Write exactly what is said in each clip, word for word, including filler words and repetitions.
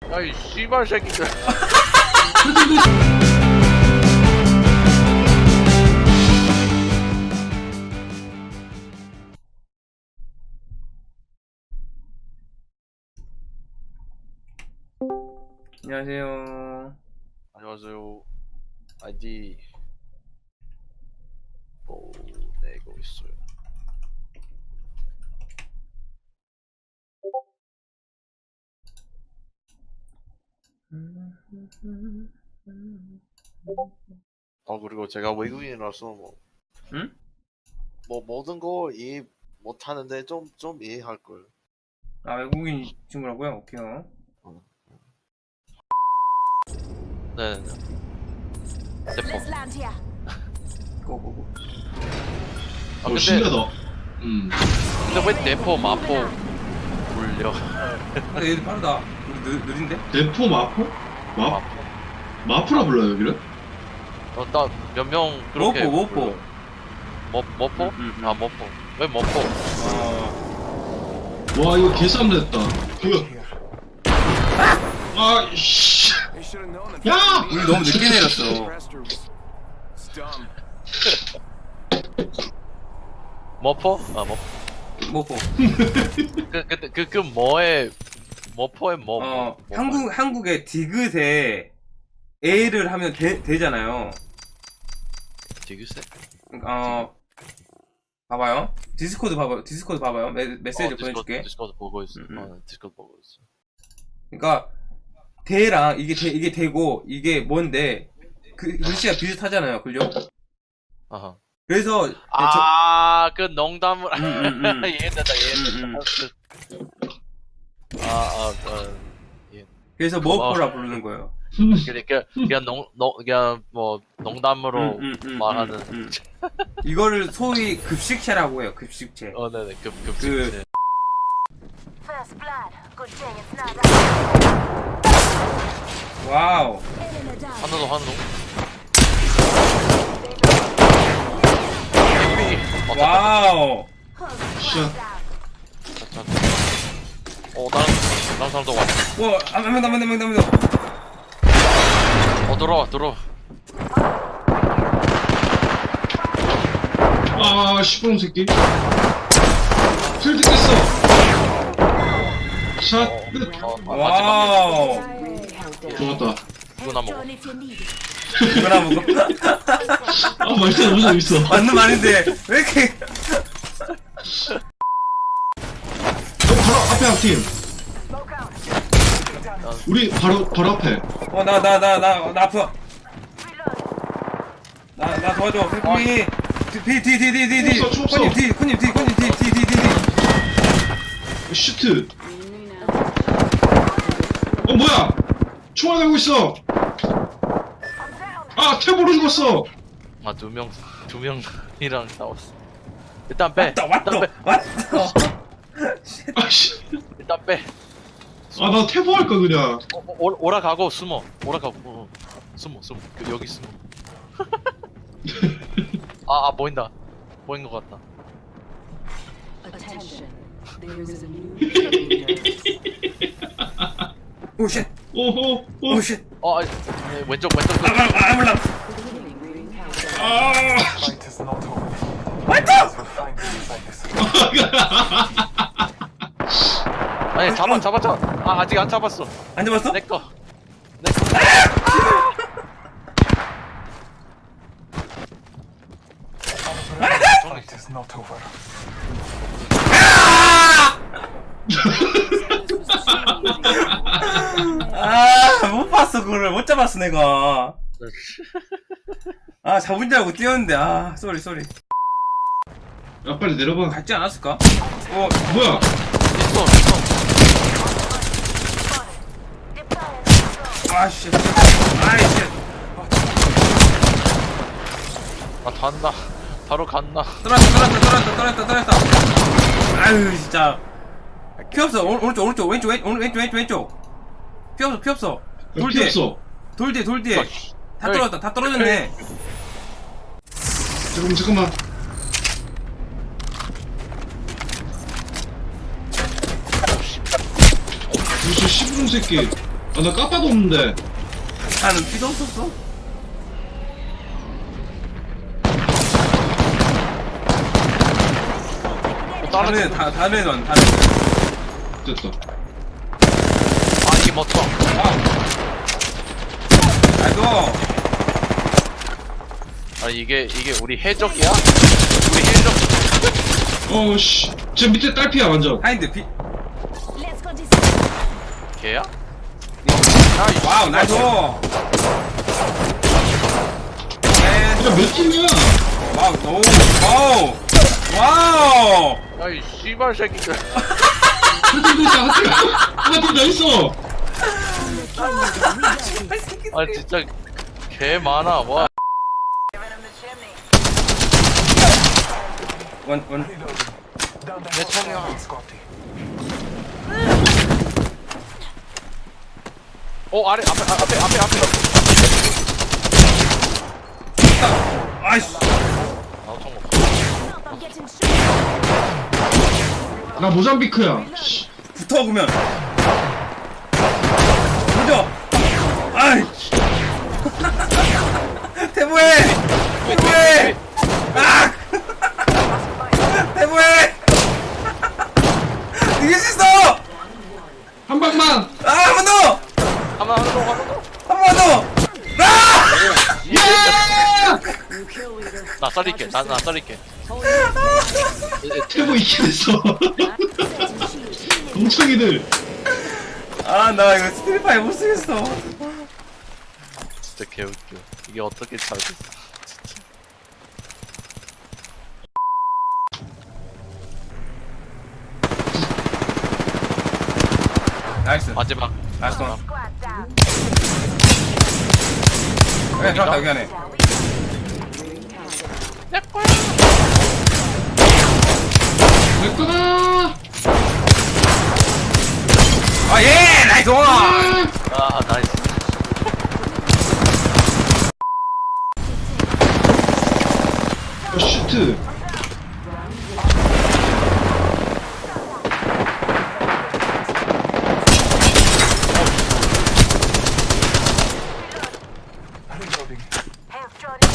야이 씨발 새끼들. 안녕하세요. 안녕하세요. 아이디 보내고 있어요. 어 그리고 제가 외국인이라서 뭐, 응? 뭐 모든 거 이해 못하는데 좀 좀 이해할 걸. 아, 외국인 친구라고요? 오케이요. 네네네. 대포. Let's land here. 고고고. 아 어, 근데 신기하다. 음. 근데 왜 대포 마포 울려? 근데 얘들 빠르다. 우리 느, 느린데? 대포 마포? 마, 마포. 마포라 불러요, 여기를? 어나 몇 명 그렇게. 모포, 모포. 불러. 뭐 모포? 음, 음, 음. 아 모포. 왜 모포? 어. 와, 이거 개싸움 됐다. 이거. 아, 씨. 야! 우리 너무 늦게 내렸어. 모포? 아 모포. 모포. 그, 그, 그, 그, 뭐에, 모포에 뭐, 어, 뭐, 뭐 한국, 한국의 디귿에 A를 하면 되, 되잖아요. 디귿에? 어, 봐봐요. 디스코드 봐봐요. 디스코드 봐봐요. 메, 메시지 어, 디스코드, 보내줄게. 디스코드 보고 있어. 음, 음. 어, 디스코드 보고 있어. 그러니까 대랑 이게 대, 이게 대고 이게 뭔데 그 글씨가 비슷하잖아요. 그죠? 아하. 그래서 저, 아, 그 농담을, 음, 음, 음. 이해된다, 이해된다. 음, 아, 아, 아, 예. 그래서 머퍼라 부르는 거예요. 그러니까, 그냥 농, 농, 그냥 뭐, 농담으로 음, 음, 음, 말하는. 음, 음. 이거를 소위 급식체라고 해요. 급식체. 어, 네네, 급, 급, 그- 그, First blood. Good thing it's not us. 와우. Enemy down. 한우도 한우. 개구리. 어, 와. 와우. 샷. 어, 다른, 다른 사람도 왔 와, 한명 더, 한명 더, 한명 더. 어, 들어와, 들어와. 아, 시끄러운 새끼. 필드 깼어. 샷. 끝. 어, 마- 마지막. 와우. 좋았다. 이거나 먹어. John, if you need it. 이거나 먹어. 아, 맛있다. 너무 재밌어. 맞는 말인데 왜 이렇게? 어, 바로 앞에 한 팀. Smoke out. 우리 바로, 바로 앞에. 어, 나, 나, 나, 나, 나 아파. Reload. 나, 나 도와줘. 피, 피, 디, 디, 디, 디, 디, 디. 총 쏘, 총 쏘. 코님 디, 코님 디, 코님 디, 디, 디, 디, 디. 슈트. 어, 뭐야? 총알 가고 있어. 아, 탭으로 죽었어. 아, 두 명, 두 명이랑 싸웠어. 일단 빼. 왔다, 왔다, 일단 빼. 왔다. 아, 씨. 일단 빼. 아, 나 태보 할까, 그냥. 어, 어, 오- 오라가고 숨어. 오라가고 어, 숨어, 숨어. 그, 여기 숨어. 아, 아, 보인다. 보인 것 같다. Attention, there is a new leader. 오, 쉣. 오호, 오. 오, 쉣. 어, 아, 네, 왼쪽, 왼쪽. 아, 아, 아, 몰라. Beginning ring countdown. 아. Fight is not over. 왔다. We'll find these like this. 아니, 잡아, 잡았잖아. 아, 아직 안 잡았어. 안 잡았어? 내 거. 내 거. Fight is not over. 아, 못 봤어, 그거를. 못 잡았어, 내가. 아, 잡은 줄 알고 뛰었는데. 아, 쏘리, 쏘리. 야, 빨리 내려봐. 갔지 않았을까? 어, 뭐야? 있어, 있어. 아, 씨. 아이, 씨. 아, 단다. 바로 갔나. 떨어졌다, 떨어졌다, 떨어졌다, 떨어졌다, 떨어졌다. 아유, 진짜. 피 없어. 오, 오른쪽, 오른쪽, 왼쪽, 왼, 오른, 왼쪽, 왼쪽, 왼쪽. 피 없어, 피 없어. 돌 피 뒤에. 없어. 돌 뒤에, 돌 뒤에. 다 떨어졌다, 다 떨어졌네. 잠깐만, 잠깐만. 저 시부름 새끼. 아, 나 까빠도 없는데. 나는 피도 없었어. 다른 애, 다, 다른 애도 안, 다른 애. 됐다. 아 이게 멋져. 아이고. 아 이게 이게 우리 해적이야? 우리 해적. 어, 씨. 저 밑에 딸피야, 완전. 하인드 피. Let's go this 걔야? 와우, 나이스. 네. 야, 몇 팀이야? 와우, 오, 와우. 와우. 야이 씨발 새끼들. 한 팀도 있다, 한 팀. 한 팀 더 있어. 아 진짜 개 많아. 와. 원, 원. Reloading. Down the 내 hill. 총이야. Scotty. 어 아래 앞에 아, 앞에 앞에 앞에. 아이씨. 아총 없어. up, I'm getting shot. 나 모잠비크야. 씨. 붙어, 그러면. 보죠. 아이. 태보해. 태보해. 아! 태보해. 이길 수 있어. 한 방만. 아, 한 번 더. 한번 한번 한번 더. 한 번 더. 아! New kill leader. 나 썰릴게. 나 나 썰릴게. 태보 이긴 했어. 멍청이들. 아, 나 이거 스트리파이 못 쓰겠어. 진짜 개웃겨. 이게 어떻게 잘 됐어. 나이스. 마지막. 나이스. 마지막. Squad down. 그래, 들어갔다, 여기 안에. Ring countdown. 내 거다. 아, 예! 나이스! 아 나이스. 어, 슈트. Reloading. Health Jordan.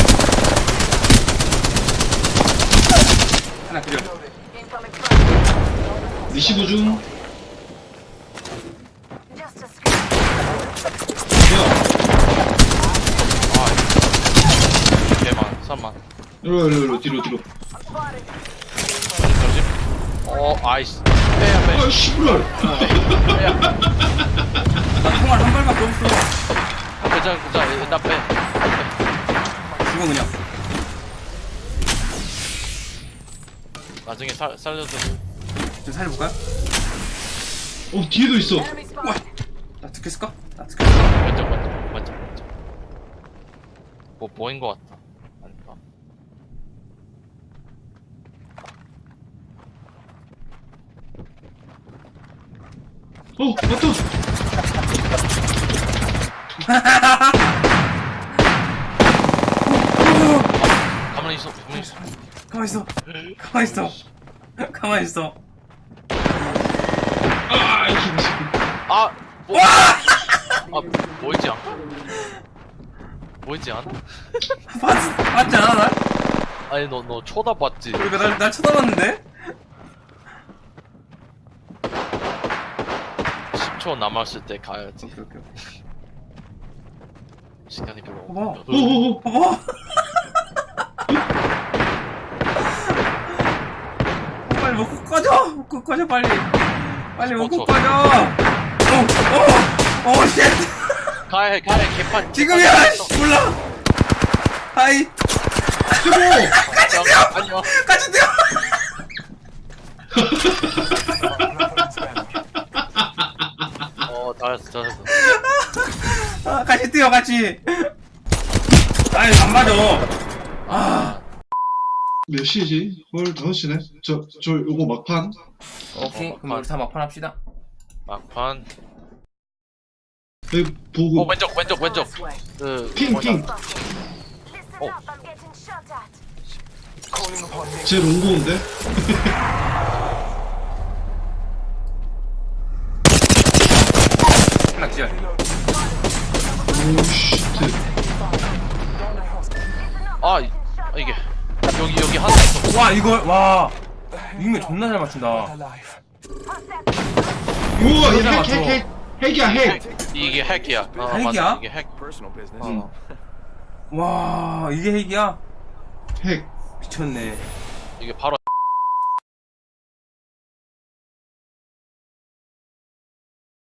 하나 그려. Incoming front. 리시브 중. Just a screen. 야, 아 개만 삼만. 이리로, 이리로, 이리로, 뒤로, 뒤로. Spotted. 조심. 어 아이씨. 빼야 빼. 아, 씨부랄. 빼야. 나 총알 한 발밖에 없어. 그자 그자 일단 빼. 죽어, 그냥. 나중에 살 살려줘. 좀 살려볼까요? 어, 뒤에도 있어. Enemy spotted. 나 듣겠을까? 나 듣겠을까? 왼쪽 왼쪽 왼쪽 왼쪽. 뭐 보인 것 같다. 아닌가? 어, 맞다. 가만히 있어. 가만히 있어. 가만 있어. 가만 있어. 가만 있어. 아, 이씨. 아! 뭐, 아, 보이지 않아? 보이지 않아? 봤, 봤지 않아, 날? 아니, 너, 너 쳐다봤지? 그러니까 날, 날 쳐다봤는데? 십 초 남았을 때 가야지. 오케이, 오케이, 오케이. 시간이 별로 어머. 없어. 오오오. 어머! 빨리 먹고 꺼져! 먹고 꺼져, 빨리! 빨리 먹고 쳐. 꺼져! 어, 어, 어, 쉣! 가야 해, 가야 해, 개판. 지금이야! 씨, 몰라! 하이! 같이 뛰어! 아니요. 같이 뛰어! Weapons banning. 어, 잘했어, 잘했어. 아, 같이 뛰어, 같이! 아이, 안 맞아! 아. 몇 시지? 헐, 다섯 시네? 저, 저, 요거 막판? 오케이, 어, 그럼 우리 다 막판 합시다. 막판. 여기 보고. 어, 왼쪽, 왼쪽, 왼쪽. 그, 핑, 뭐냐. 핑. Listen Oh. up, I'm getting shot at. Calling upon me. 제 롱고인데? 하나 기절. 오 쉣. 아 이- 아, 이게 여기 여기 하나 있어. 와 이걸 와 이거 존나 잘 맞춘다. Alive. 우와 여기다 핵 맞춰. 핵 핵 핵이야 핵. 이게 핵이야. 아, 핵이야? 맞아, 이게 핵. 응. 와 이게 핵이야? 핵. 미쳤네. 이게 바로